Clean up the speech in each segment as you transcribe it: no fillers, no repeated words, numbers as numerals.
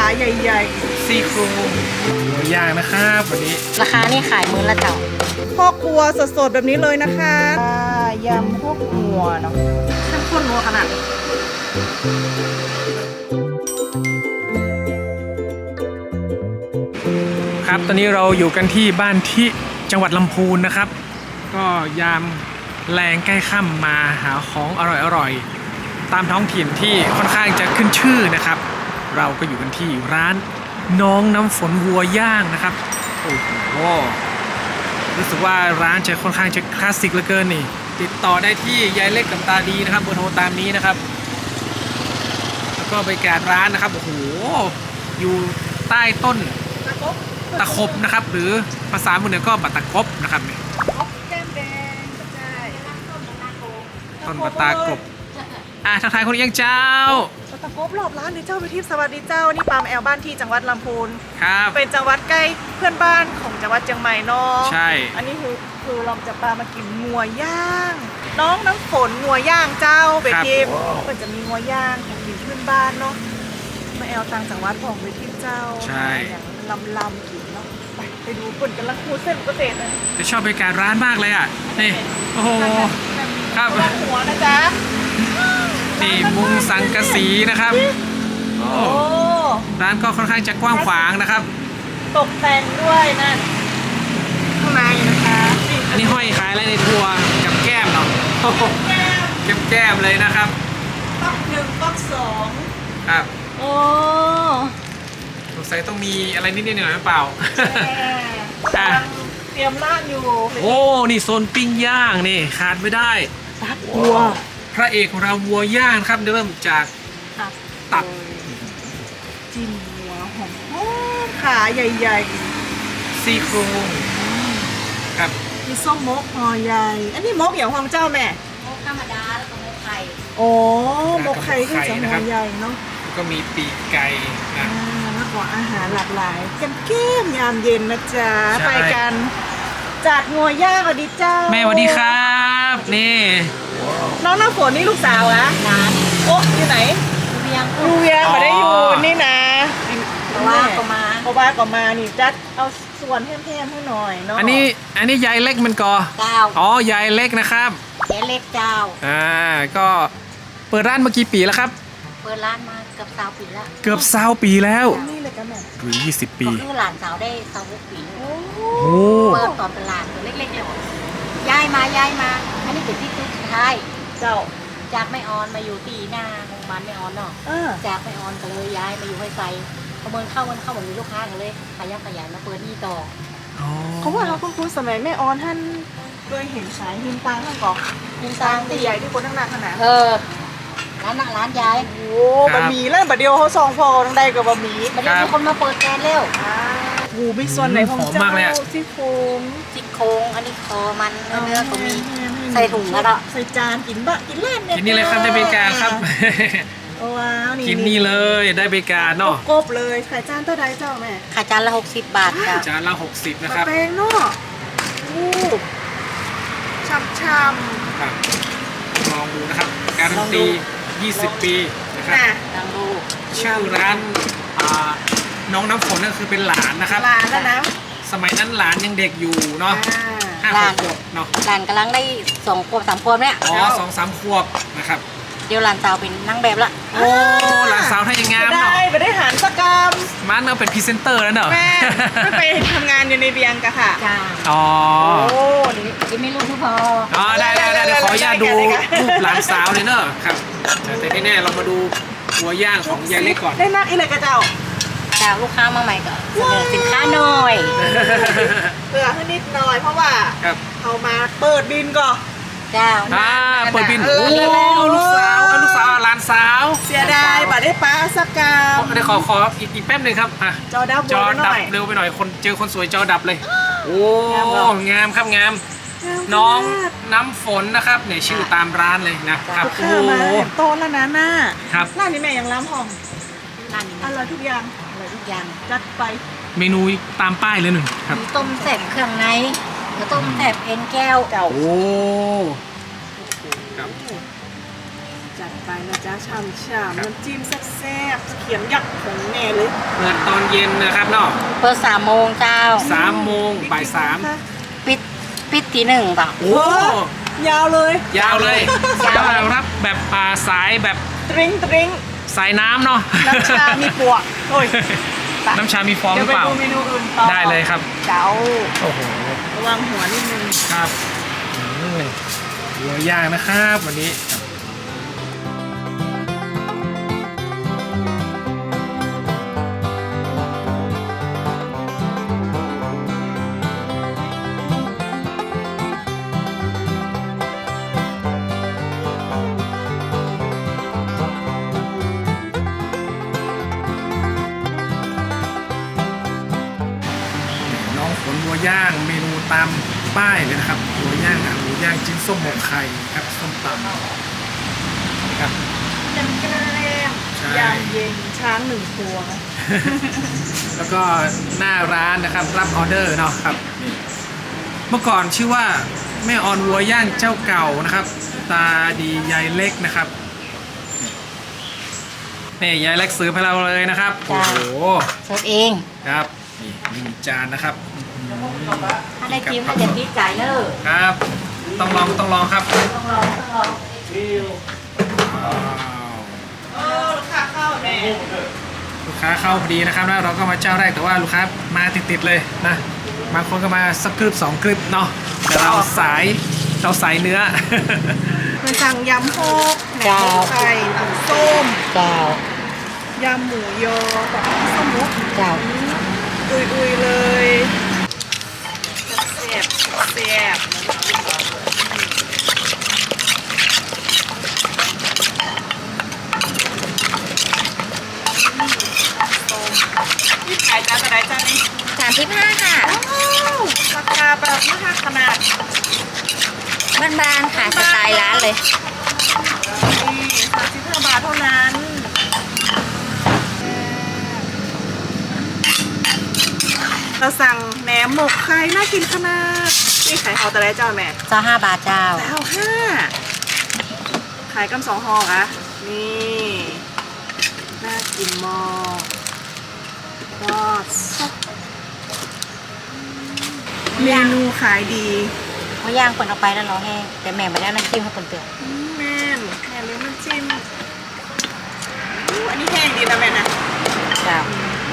ใหญ่ๆซี่โครงหมูย่างนะครับวันนี้ราคานี่ขายมื้อละเจ้าพ่อครัวสดๆแบบนี้เลยนะคะยำพวกหัวเนาะเข้มข้นนัวขนาดครับตอนนี้เราอยู่กันที่บ้านที่จังหวัดลำพูนนะครับก็ยามแรงใกล้ค่ำมาหาของอร่อยๆตามท้องถิ่นที่ค่อนข้างจะขึ้นชื่อนะครับเราก็อยู่กันที่ร้านน้องน้ำฝนวัวย่างนะครับโอ้โหรู้สึกว่าร้านจะค่อนข้างจะคลาสสิกเหลือเกินนี่ติดต่อได้ที่ยายเล็กกับตาดีนะครับเบอร์โทรตามนี้นะครับแล้วก็บรรยากาศร้านนะครับโอ้โหอยู่ใต้ต้นตะขบนะครับหรือภาษาเมืองเหนือก็บัตตะกบนะครับนี่แก้มแดงก็ได้ต้นบัตตากบทักทายคนยังเจ้าบัตตะกบรอบร้านนี่เจ้าไปทิพย์สวัสดีเจ้านี่ปามแอลบ้านที่จังหวัดลำพูนครับเป็นจังหวัดใกล้เพื่อนบ้านของจังหวัดเชียงใหม่เนาะใช่อันนี้คือเราจะปามากินงัวย่างน้องน้ำฝนงัวย่างเจ้าไปทิพย์ก็จะมีงัวย่างของกินเพื่อนบ้านเนาะมาแอลต่างจังหวัดของไปทิพย์เจ้าใช่อย่างลำกินเนาะไปดูคนกันละคูเส้นเกษตรเลยจะชอบบรรยากาศร้านมากเลยอ่ะนี่โอ้โหครับหัวนะจ๊ะนี่มุงสังกะสีนะครับโอ้ร้านก็ค่อนข้างจะกว้างขวางนะครับตกแต่งด้วยนั่นข้างในนะคะอันนี้ห้อยขายอะไรในทัวร์กับแก้มเนาะแก้มเลยนะครับป๊อกหนึ่งป๊อกสองครับโอ้สงสัยต้องมีอะไรนิดๆหน่อยๆหรือเปล่าเตรียมร้านอยู่โอ้นี่โซนปิ้งย่างนี่ขาดไม่ได้ตับวัวพระเอกของเราวัวย่างครับเริ่มจากตับจิ้มหัวหอมขาใหญ่ๆซี่โครงครับมีส้มมกห่อใหญ่อันนี้มกอย่างของเจ้าแม่มกธรรมดาแล้วก็มกไข่โอ้มกไข่ที่จะห่อใหญ่เนาะแล้วก็มีปีกไก่นะแล้วก็อาหารหลากหลายแก้มยามเย็นนะจ๊ะไปกันจัดงัวย่างสวัสดีเจ้าแม่สวัสดีครับนี่น้องน้ำฝนนี่ลูกสาวอะโอ้อยู่ไหนดูเวียงมาได้อยู่นี่นะเพราะว่าก็มานี่จัดเอาส่วนแห้มๆให้หน่อยเนาะอันนี้ยายเล็กมันก่อเจ้าอ๋อยายเล็กนะครับยายเล็กเจ้าก็เปิดร้านมากี่ปีแล้วครับเปิดร้านมาเกือบ20 ปีแล้วเกือบ20 ปีแล้วนี่เลยกันแม่หรือ20 ปีก็คือหลานสาวได้26 ปีโอ้เปิดตอนเป็นหลานตัวเล็กๆเลยย้ายมาอันนี้เป็นที่สุดท้ายเจ้าจากไม่ออนมาอยู่ที่หน้าโรงพยาบาลไม่ออนเนาะจากไม่ออนก็เลยย้ายมาอยู่ให้ไฟพอเมินเข้าเหมือนมีลูกค้ากันเลยขยับขยายมาเปิดนี่ต่อเขาว่าเราคุ้นๆสมัยแม่ออนท่านเคยเห็นขายหินตังข้างกอกหินตังที่ใหญ่ที่คนนั่งขนาดร้านยายโอ้บะหมี่แล้วบะเดียวเขาซองพอทั้งใดกับบะหมี่บะเดียวมีคนมาเปิดแกนเร็วหูมีส่วนไหนของเจ้าซี่โครงอันนี้คอมันเนื้อก็มีใส่ถุงแล้วก็ใส่จานกินบะกินเล่นเนี่ยกินนี่เลยครับได้บริการครับว้าวกินนี่เลยได้บริการเนาะกบเลยขายจานเท่าไรเจ้าแม่ขายจานละ60 บาทค่ะจานละ60นะครับแพงเนาะช่ำครับลองดูนะครับการันตี20 ปีนะครับลองดูชื่อร้านน้องน้ำฝนนั่นคือเป็นหลานนะครับหลานแล้วนะสมัยนั้นหลานยังเด็กอยู่เนาะ5 ขวบเนาะหลานกำลังได้2 ขวบ3 ขวบเนี่ย 2-3 ขวบนะครับเดี๋ยวหลานสาวเป็นนางแบบละโอ้หลานสาวท่ายังงามเนาะไปได้หารสกรรมมันเอาเป็นพรีเซนเตอร์แล้วเนอะแม่ไม่ไปทำงานอยู่ในเบียงกะค่ะจ้าอ๋อโอ้ยไม่รู้ทุกพอได้เดี๋ยวขออนุญาตดูรูปหลานสาวเลยเนอะครับแต่แน่ๆเรามาดูหัวย่างของยายเล็กก่อนได้นักอีเลยกระเจ้าลูกค้ามาใหม่ก็เสนอสินค้าหน่อยเผื่อให้นิดหน่อยเพราะว่าเขามาเปิดบินก่อนเจ้าเปิดบินโอ้ลูกสาวหลานสาวเสียดายบัดได้ป้าสักกรรมได้ขออีกแป๊บหนึ่งครับจอดับเร็วไปหน่อยคนสวยจอดับเลยโอ้งามครับงามน้องน้ำฝนนะครับเนี่ยชื่อตามร้านเลยนะครับโอ้โตแล้วนะน่าครับร้านนี้แม่ยังล้ำห้องร้านนี้อร่อยทุกอย่างจัดไปเมนูตามป้ายเลยหนึ่งครับมีต้มแซ่บเครื่องในต้มแซ่บเอ็นแก้วโอ้สุจัดไปนะจ๊ะฉ่ำๆน้ำจิ้มแซ่บๆเขียมยักษ์ของแน่เลยเปิดตอนเย็นนะครับเนาะเปิด3 โมงเจ้า 3 โมงบ่ายปิดที 1ต่อ 3โอ้ยาวเลยยาวเลยสายรับแบบสายแบบตริ้งตริ้งสายน้ำเนาะน้ำชามีปวกโอ้ยน้ำชามีฟองหเดี๋ยรืวอไปเปล่าดูเมนูอื่นต่อได้เลยครับเจ้าโอ้โหระวังหัวนิดนึงครับหัวย่างนะครับวันนี้น้องฝนหัวย่างเมนูตามป้ายเลยนะครับหัวย่างหมูย่างจิ้นส้มหมกไข่ครับส้มตำครับแกล้มใช่ยามเย็นช้าง1 ตัวแล้วก็หน้าร้านนะครับรับออเดอร์เนาะครับนี่เมื่อก่อนชื่อว่าแม่ออนวัวย่างเจ้าเก่านะครับ ตาดียายเล็กนะครับนี่ยายเล็กซื้อให้เราเลยนะครับโอ้โหเสิร์ฟเองครับนี่1 จานนะครับถ้าได้จิ้มก็จะติดใจเลยครับ ต้องลองครับต้องลองว้าวลูกค้าเข้าแน่ลูกค้าเข้าพอดีนะครับแล้วเราก็มาเจ้าแรกแต่ว่าลูกค้ามาติดๆเลยนะบางคนก็มาสักกรึบ2 กรึบเนาะแต่เราสายเนื้อมันสั่งยำโฮกแหนมหมูไข่น้ำส้มเจ้ายำหมูยอกับส้มมุกเจ้าอุยๆเลยแซ่บแซ่บนี่ขายจานอะไรจานนี้ 35ค่ะราคาแบบไม่หักขนาดบ้านๆค่ะสไตล์ร้านเลยนี่35 บาทเท่านั้นเราสั่งแหนมหมกไข่น่ากินขนาดนี่ขายเอาแต่ไรเจ้าแม่เจ้า5 บาทเจ้าแต่เอา5ขายกัน2 ห่ออะนี่น่ากินมากก็ซับเมนูขายดีหมูย่างคนเอาไปแล้วรอแห้งแต่แม่ไม่ได้เอาน้ำจิ้มให้คนเตือนแม่นเลี้ยงน้ำจิ้มอันนี้แห้งดีนะแม่นะเจ้า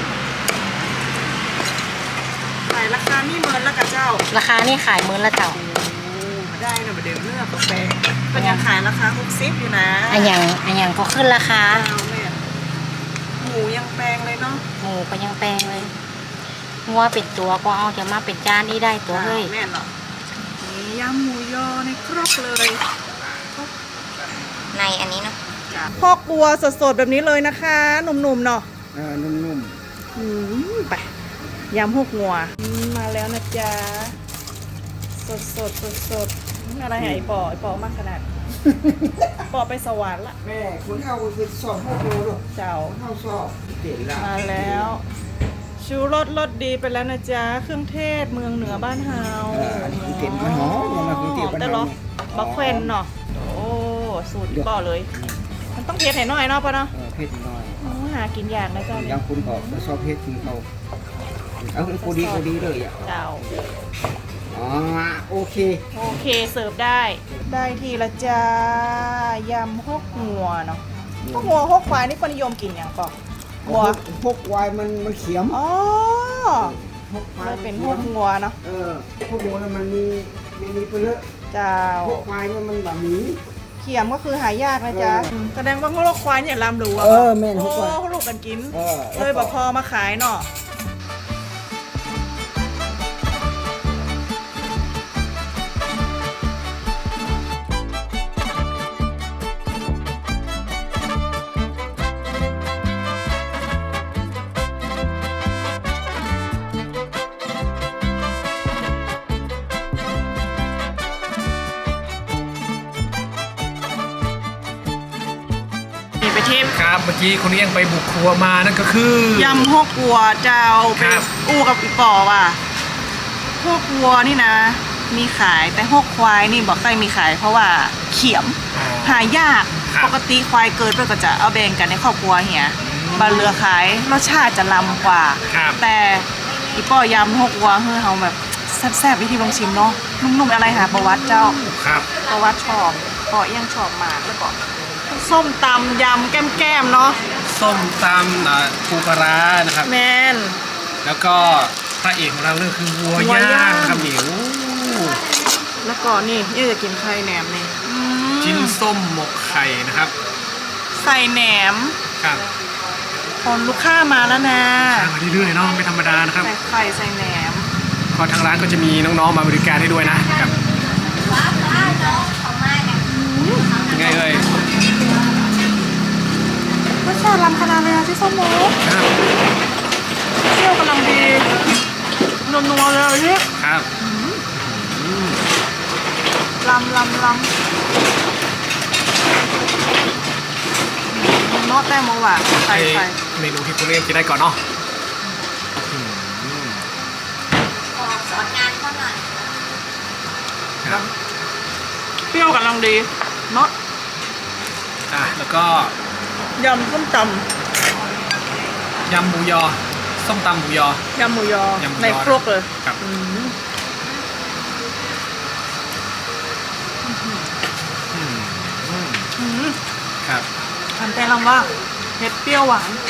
ขายราคานี่เมินแล้วกับเจ้าราคานี่ขายมื้อละเจ้าได้นะประเดี๋ยวเลือกกาแฟก็ยังขายราคา60อยู่นะอันอย่างก็ขึ้นราคาเอาแม่หมูยังแพงเลยเนาะหมูก็ยังแพงเลยงัวเป็นตัวก็เอาจะมาเป็นจานนี้ได้ตัวเฮ้ยแม่นเหรอนี่ยำหมูยอในครกเลยในอันนี้เนาะพอกบัวสดๆแบบนี้เลยนะคะหนุ่มๆเนาะนุ่มไปยำหกงัวมาแล้วนะจ๊ะสดอะไรหายปอมากขนาด ปอไปสวรรค์ละแม่คุณเข้าไปสอบพวกเราลูกเจ้าเข้าสอบเก่งละมาแล้วชูรสดีไปแล้วนะจ๊ะเครื่องเทศเมืองเหนือบ้านเฮาอันนี้คือเก่งมันหอมอย่างเราคือเก่งมันแต่หหรออมบักแควนเนาะโอ้สูตรป่อเลย มันต้องเผ็ดให้น้อยเนาะป่ะเนาะเพชรน้อยโอ้หากินยากนะเจ้าอเนี่ย่าย งคุณบอกมาสอบเพชรคุณเขาเอากูดีเลยอ่ะเจ้าอ๋อโอเคโอเคเสิร์ฟได้ทีละจ้ายำหกหัวเนาะหกหัวหกควายนี่คนนิยมกินอย่างป่อบัวพวกวายมันเขียมอ๋อพวกวาเลย ยเป็นหกหัวเนาะพวกวัวมันมีไปเลอะเจ้าพวกวายมันแบบนี้เขียมก็คือหายากนะจ๊ะแสดงว่าพวกควายเนี่ยลำรู้อะแม่นโอ้พวกวายเขาลูกกันกินเออเลยบอกพอมาขายเนาะ นี่ไปเทมครับเมื่อกี้คนนี้ยังไปบุกครัวมานั่นก็คือยำหกวัวเจ้าคไปรับอู้กับอีปอว่ะหกวัวนี่นะ มีขายแต่หกควายนี่บอกใครมีขายเพราะว่าเขียมหายากครับปกติควายเกิดเพื่อก็จะเอาแบ่งกันในครอบครัวเหียบาเรือขายรสชาติจะล้ำกว่าครับแต่อีป้อยำหกวัวเฮ้อเขาแบบแซ่บๆวิธีลองชิมเนาะนุ่มๆอะไรหาประวัติเจ้าครับประวัติชอบก็ยังชอบมากแล้วก็ส้มตำยำแก้มๆเนาะส้มตำปูปลาร้านะครับแมนแล้วก็พระเอกของเราเรื่องคือวัววัวย่าย่างงครับหมิวแล้วก็นี่ยังจะกินไข่แหนมนี่มชิ้นส้มหมกไข่นะครับใส่แหนมครับคนลูกค้ามาแล้วนะทางมาเรื่อยๆเนาะไม่ธรรมดานะครับใส่ไข่ใส่แหนมก็ทางร้านก็จะมีน้องๆมาบริการให้ด้วยนะครับยังไงเอ่ยรสชาติล้ำขนาดเลยอะที่ส้มหมูครับเปรี้ยวกำลังดีนัวๆเลยที่ครับล้ำเนาะแต้มหวานใส่เมนูที่คุณเรียกกินได้ก่อนเนาะสอนงานเขาหน่อยครับเปรี้ยวกำลังดีเนาะแล้วก็ยำส้มตยำหมูยอ ส้มตำหมูยอำยำหมูยอยำหมูยอในครกเลยครับอืมครับทำแต่ลำว่าเผ็ดเปรี้ยวหวาน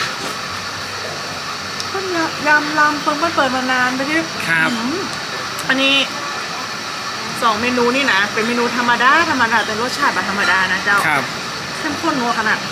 ต้นยำลำเพิ่งเปิดมานานไปที่ครับอันนี้2 เมนูนี่นะ เป็นเมนูธรรมดาแต่รสชาติแบบธรรมดานะเจ้าครับเข้มข้นนัวขนาด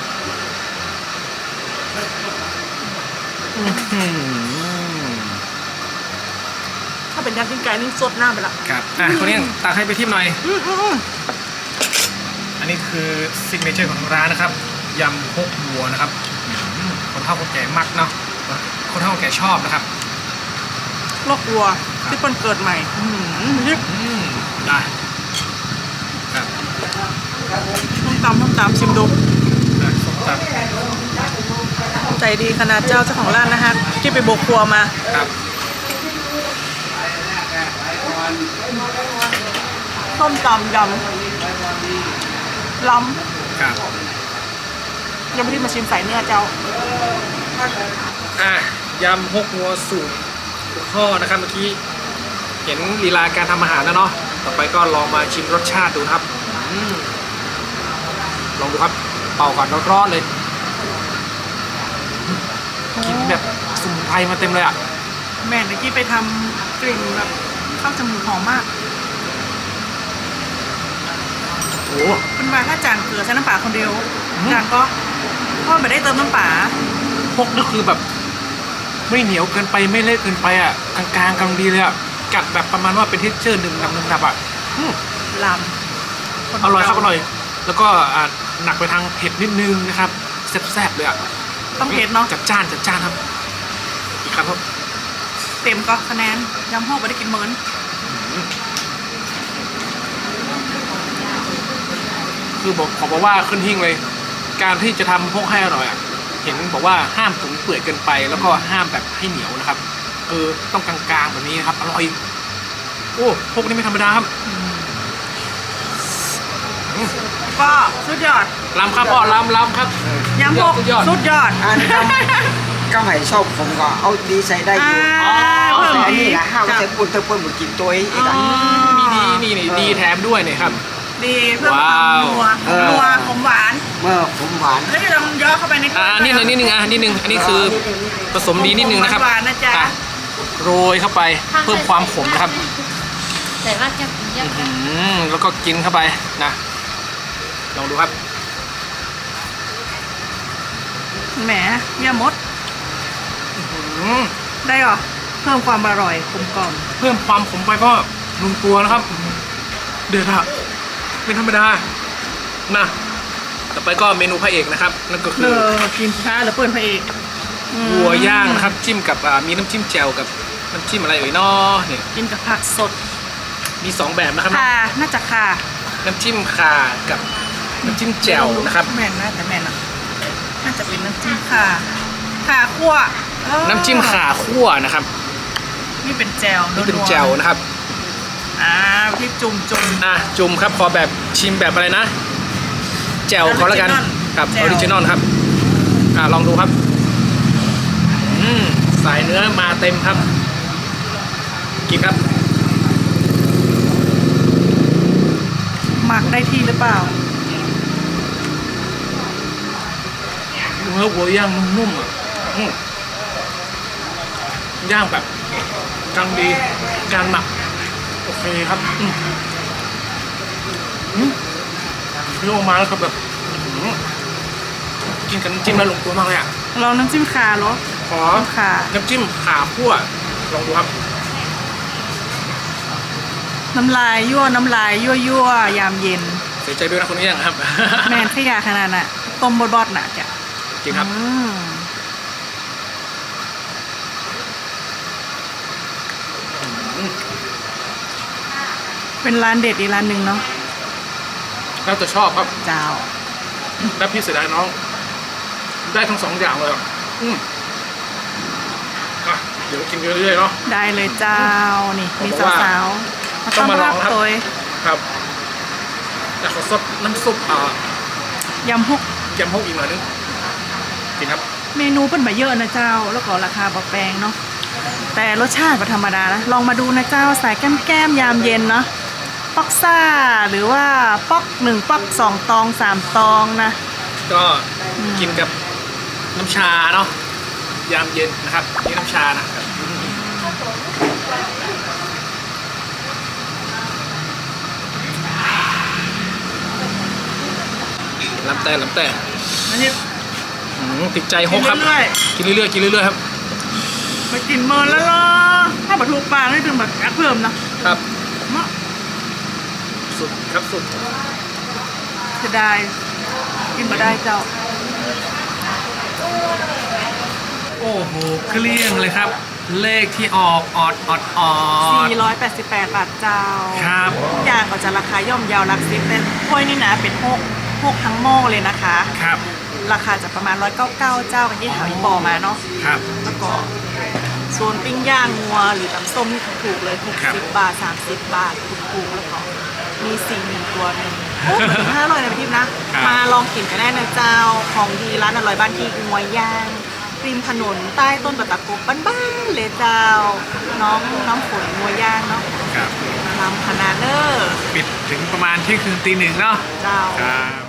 ถ้าเป็นยำจิ้งไก่นี่สดหน้าไปละครับคนนี้ตักให้ไปทิมหน่อยอืมอันนี้คือซิกเนเจอร์ของทางร้านนะครับ ยำพกวัวนะครับคนเฒ่าคนแก่มักเนาะ คนเฒ่าคนแก่ชอบนะครับโรควัวที่คนเกิดใหม่นี่ได้ครับต้มตำชิมดูส้มตใจดีขนาดเจ้าของร้านนะฮะที่ไปโบกครัวมาำครับส้มตำยำล้ครับำยังไม่ได้มาชิมใส่เนื้อเจ้ายำพกวัวสูตรพ่อนะครับเมื่อกี้เห็นลีลาการทำอาหารแล้วเนาะ ต่อไปก็ลองมาชิมรสชาติดูครับลองดูครับ เป่าก่อนร้อนๆเลย กินแบบสมุนไพรมาเต็มเลยอ่ะแม่เมื่อกี้ไปทำกลิ่นแบบข้าวจมูกหอมมากโอ้เป็นว่าถ้าจานเกลือใช้น้ำปลาคนเดียวจานก็พ่อไม่ได้เติมน้ำปลาพกนี่คือแบบไม่เหนียวเกินไปไม่เละเกินไปอ่ะกลางๆกำลังดีเลยอ่ะกัดแบบประมาณว่าเป็นเท็กเจอร์หนึ่งดับอ่ะลำอร่อยครับอร่อย แล้วก็หนักไปทางเผ็ดนิดนึงนะครับแซ่บๆเลยอ่ะต้องเผ็ดเนาะจัดจ้านครับอีกครับเต็มก็คะแนนยำหอกไม่ได้กินเหมือนคือขอบอกว่าขึ้นหิ้งเลย การที่จะทำพกให้อร่อยอ่ะเห็นบอกว่าห้ามตุ๋นเปื่อยเกินไป แล้วก็ห้ามแบบให้เหนียวนะครับต้องกลางๆแบบนี้นะครับอร่อยโอ้พกนี่ไม่ธรรมดาครับก็สุดยอดลำครับพ่อลำครับยำหกสุดยอดสุดยอดอันก็ให้ชอบผมก็เอาดีใส่ได้อยู่เพิ่มแต่อันดีนี้นะห้ามใส่ปุ่นเธอปุ่นหมดกินตัวเองอีกอ่ะมีดีนี่ดีแถมด้วยเนี่ยครับดีเพิ่มความนัวเออนัวขมหวานเมื่อผมหวานแล้วจะลองย่อเข้าไปในนิดนึงนิดนึงอันนี้คือผสมดีนิดนึงนะครับหวานๆนะจ๊ะโรยเข้าไปเพิ่มความขมนะครับแต่ว่าจะเยอะกันแล้วก็กินเข้าไปนะลองดูครับแหมเยี่ยมมดอืมได้เหรอเพิ่มความอร่อยกลมกล่อมเพิ่มความขมไปก็ลงตัวนะครับ เดือดอะไม่ธรรมดานะต่อไปก็เมนูพระเอกนะครับ นั่นก็คือกินช้าหรือเปิดพระเอกวัวย่างนะครับจิ้มกับมีน้ำจิ้มแจ่วกับน้ำจิ้มอะไรเอ่ยน้อเนี่ยกินกับผักสดมี2แบบนะครับค่ะน่าจะค่ะน้ำจิ้มข่ากับน้ำจิ้มแจ่วนะครับแม่นนะแต่แม่นอ่ะน่าจะเป็นน้ำจิ้มค่ะค่ะคั่วเออน้ำจิ้มข่าคั่วนะครับนี่เป็นแจ่วนี่เป็นวๆแจ่วนะครับที่จุ่มจุ่มครับขอแบบชิมแบบอะไรนะแจ่วเขาแล้วกันครับออริจินอลครับลองดูครับสายเนื้อมาเต็มครับกินครับหมักได้ที่หรือเปล่าเนื้อวัวย่างนุ่มๆอ่ะย่างแบบกำลังดีการหมักโอเคครับเคี่ยวออกมาแล้วก็แบบกินกับน้ำจิ้มแล้วลงตัวมากเลยอ่ะลองน้ำจิ้มขาเหรอขอค่ะน้ำจิ้มขาคั่วลองดูครับน้ำลายยั่วน้ำลายยั่วยามเย็นเสียใจด้วยนะคนนี้ยังครับแมนขยะขนาดน่ะต้มบดๆน่ะจ้ะจริงครับอืมเป็นร้านเด็ดอีกร้านหนึ่งเนาะแล้วแต่ชอบครับเจ้าแล้วพี่เสียดายน้อง ได้ทั้ง2อย่างเลยอ่ะเดี๋ยวกินเรื่อยๆเนาะได้เลยเจ้านี่มีผมว่าสาวๆมาต้ต้ออง นมาลรัองบครับตัวครับแต่ขอซดน้ำซุปยำฮกยำฮกอีกหน่อยนึงกินครับเมนูเป็นมาเยอะนะเจ้า แล้วก็ราคาบแพงเนาะแต่รสชาติก็ธรรมดานะลองมาดูนะเจ้าสายแก้มยามเย็นเนาะป๊อกซ่าหรือว่าป๊อก1ป๊อก2ตอง3ตองนะก็กินกับน้ำชาเนาะยามเย็นนะครับนี่น้ำชานะครับลำแต่อันนี้ติดใจฮกครับกินเรื่อยกินเรื่อยๆครับไปกินเมินแล้วล่ะถ้าบัตถูกปากนี่ถึงแบบแอปเพิ่มนะครับ เนาะสุดครับสุดจะได้กินมาได้เจ้าโอ้โหเกลี้ยงเลยครับ เลขที่ออกออด 488 บาทเจ้าครับทุกอย่างก็จะราคาย่อมเยาวหลักสิบแต่ถ้วยนี่นะเป็นพวกทั้งหม้อเลยนะคะครับราคาจะประมาณ199เจ้ากันที่ถามอีปอมาเนาะครับแล้วก็โซนปิ้งย่างงัวหรือตำส้มนี่ถูกเลยครับ 60 บาท 30 บาทถูกๆแล้วก็มี4ตัวหนึ่งโอ้เหมือน500นะพี่ทิพย์นะ มาลองกินกันได้นะเจ้าของดีร้านอร่อยบ้านที่งัวย่างริมถนนใต้ต้นตะกบบ้านๆเลยเจ้า น้ำฝนงัวย่างเนาะครับลำคณะเนอร์ปิดถึงประมาณเที่ยงคืนตี 1เนาะเจ้าครับ